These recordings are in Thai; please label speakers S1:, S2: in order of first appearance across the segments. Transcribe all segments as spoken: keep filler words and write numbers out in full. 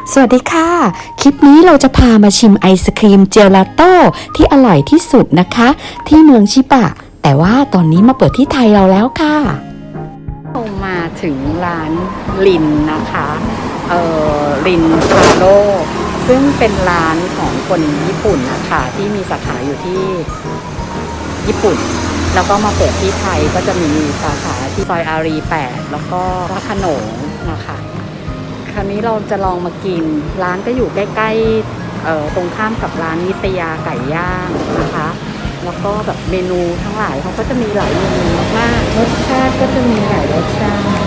S1: สวัสดีค่ะคลิปนี้เราจะพามาชิมไอศครีมเจลาโต้ที่อร่อยที่สุดนะคะที่เมืองชิบะแต่ว่าตอนนี้มาเปิดที่ไทยเราแล้วค่ะ
S2: เรามาถึงร้านลินนะคะเอ่อลินทาโร่ซึ่งเป็นร้านของคนญี่ปุ่นนะคะที่มีสาขาอยู่ที่ญี่ปุ่นแล้วก็มาเปิดที่ไทยก็จะมีสาขาที่ซอยอารีแปดแล้วก็พระโขนงนะคะคราวนี้เราจะลองมากินร้านก็อยู่ใกล้ๆเอ่อตรงข้ามกับร้านนิตยาไก่ย่างนะคะแล้วก็แบบเมนูทั้งหลายเขาก็จะมีหลายเมนูมากรสชาติก็จะมีหลายรสชาติ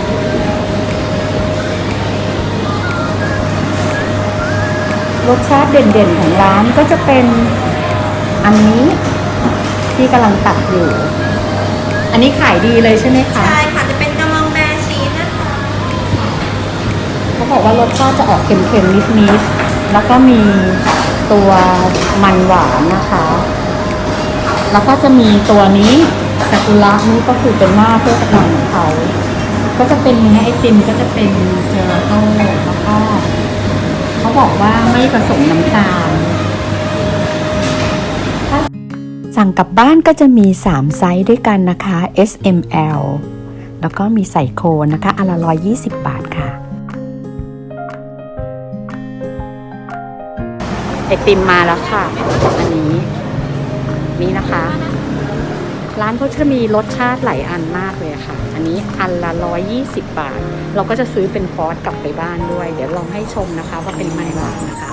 S2: รสชาติเด่นๆของร้านก็จะเป็นอันนี้ที่กำลังตักอยู่อันนี้ขายดีเลยใช่ไหมคะ
S3: ใช่ค่ะจะเป็นกะมองแบร์ชีสนะคะ
S2: เขาบอกว่ารสชาติจะออกเค็มๆนิดๆแล้วก็มีตัวมันหวานนะคะแล้วก็จะมีตัวนี้ซากุระนี่ก็คือเป็นหน้าเทศกาลของเขาก็จะเป็นเนื้อไอติมก็จะเป็นเจลาโต้แล้วก็เขาบอกว่าไม่ผสมน้ำตาล
S1: สั่งกลับบ้านก็จะมีสามไซส์ด้วยกันนะคะ เอส เอ็ม แอล แล้วก็มีใส่โคนนะคะอันละหนึ่งร้อยยี่สิบบาทค่ะ
S2: ไอติมมาแล้วค่ะอันนี้นี่นะคะร้านเขาจะมีรสชาติหลายอันมากเลยค่ะอันนี้อันละหนึ่งร้อยยี่สิบบาทเราก็จะซื้อเป็นคอร์สกลับไปบ้านด้วยเดี๋ยวลองให้ชมนะคะว่าเป็นมันหวานนะคะ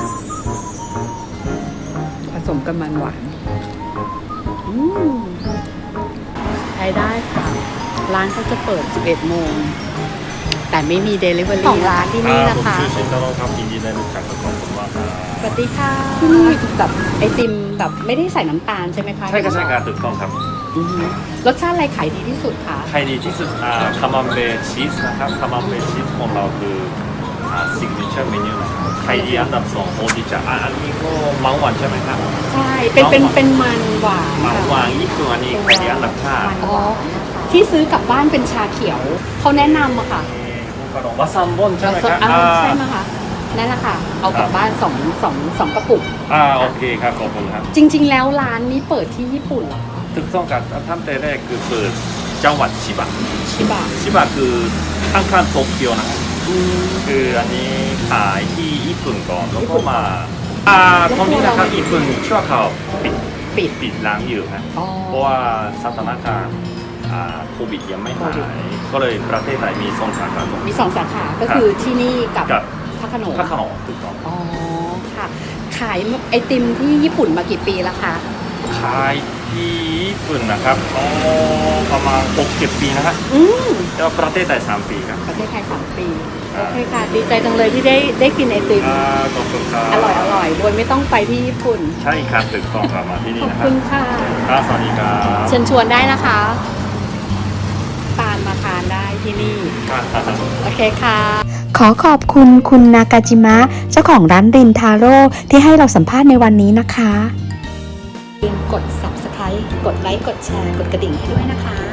S2: ผสมกับมันหวานอืมใช้ได้ค่ะร้านเขาจะเปิดสิบเอ็ดโมงแต่ไม่มีเดลิเวอรี่ของร้านที่นี่นะคะ
S4: ผมชื่อชินตาโร่ครับยินดีได้รู้จักกับขอบคุณมากครับ
S2: สวัสดีค่ะที่นี่แบบไอติมแบบไม่ได้ใส่น้ำตาลใช่ไหมคะ
S4: ใช่ครับใช่ครับถูกต้องครับ
S2: รสชาติอะไรขายดีที่สุดคะ
S4: ขายดีที่สุดอ่าคามัมเบร์ชีสนะครับคามัมเบร์ชีสของเราคืออ่าซิกเนเจอร์เมนูนะครับขายดีอันดับสองโอดิจะอ่าอันนี้ก็มังหวานใช่ไหมครับ
S2: ใช่เป็นเป็นเป็นมันหวาน
S4: มังหวานนี่คืออันนี้ขายดีอันดับห้า
S2: อ๋อที่ซื้อกลับบ้านเป็นชาเขียวเขาแนะนำอะค่ะ
S4: วาซัมบอนใช่ไหมครับ
S2: ใช่ไหมคะนั่นแหละค่ะเอากลับบ้านสองสองสองกระปุก
S4: อ่าโอเคครับขอบคุณครับ
S2: จริงๆแล้วร้านนี้เปิดที่ญี่ปุ่นเหรอ
S4: ถูกต้องครับท่านแต่แรกคือเปิดจังหวัดชิบะ
S2: ชิบะ
S4: ชิบะคือข้างๆโตเกียวนะครับคืออันนี้ขายที่ญี่ปุ่นก่อนแล้วก็มาอ่าตอนนี้นะครับญี่ปุ่นชั่วคราวปิด
S2: ปิด
S4: ปิดร้านอยู่ครับเพราะว่าสถานการณ์โควิดยังไม่หายก็เลยประเทศไทยมีสองสาขา
S2: มีสองสาขาก็คือที่นี่กับพระโขนง
S4: พระโขนงถูกต้อง
S2: อ๋อค่ะขายไอติมที่ญี่ปุ่นมากี่ปีแล้วคะ
S4: ขายที่ญี่ปุ่นนะครับอ๋อประมาณหกเจ็ดปีนะครับ
S2: อืม
S4: แล้วประเทศไทยสามปีครับ
S2: ประเทศไทยสามปีโอเคค่ะดีใจจังเลยที่ได้ได้กินไอติม
S4: ขอบคุณครับ
S2: อร่อยอร่อยโดยไม่ต้องไปที่ญี่ปุ่น
S4: ใช่ครับถูกต้องครับมาที่นี่นะครับ
S2: ขอบคุณค่ะ
S4: ครับสวัสดีครับ
S2: เชิญชวนได้นะคะตามมาทานได้ที่นี่โอเคค่ะ
S1: ขอขอบคุณคุณนากาจิมะเจ้าของร้านรินทาโร่ที่ให้เราสัมภาษณ์ในวันนี้นะคะ
S2: อย่าลืมกด ซับสไครบ์ กดไลค์กดแชร์กดกระดิ่งให้ด้วยนะคะ